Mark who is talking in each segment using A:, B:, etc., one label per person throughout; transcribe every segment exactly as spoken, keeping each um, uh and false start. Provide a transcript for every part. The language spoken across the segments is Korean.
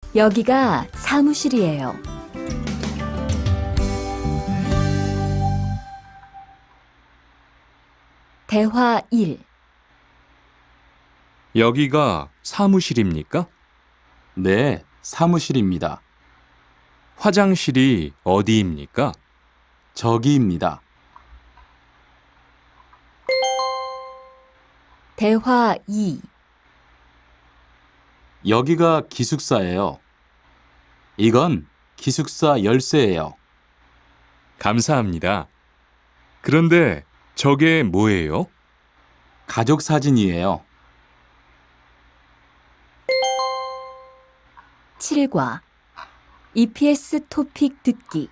A: 여기가 사무실이에요. 대화 일.
B: 여기가 사무실입니까?
C: 네, 사무실입니다.
B: 화장실이 어디입니까?
C: 저기입니다.
A: 대화 이.
C: 여기가 기숙사예요. 이건 기숙사 열쇠예요.
B: 감사합니다. 그런데 저게 뭐예요?
C: 가족 사진이에요.
A: 칠과 이피에스 토픽 듣기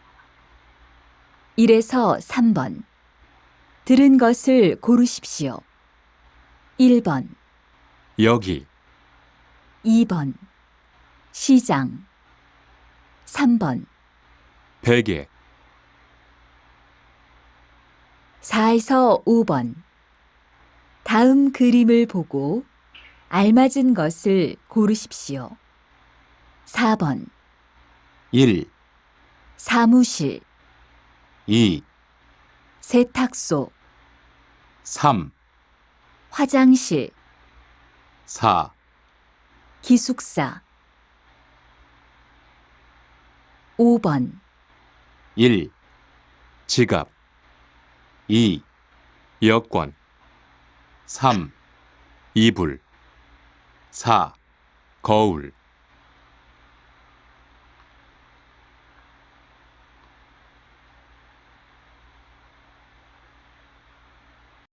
A: 일에서 삼 번 들은 것을 고르십시오. 일 번,
B: 여기,
A: 이 번 시장 삼 번,
B: 베개,
A: 사에서 오 번 다음 그림을 보고 알맞은 것을 고르십시오. 사 번
C: 일,
A: 사무실,
C: 이,
A: 세탁소,
C: 삼,
A: 화장실,
C: 사,
A: 기숙사 오 번
C: 일,
B: 지갑,
C: 이,
B: 여권,
C: 삼,
B: 이불,
C: 사,
B: 거울,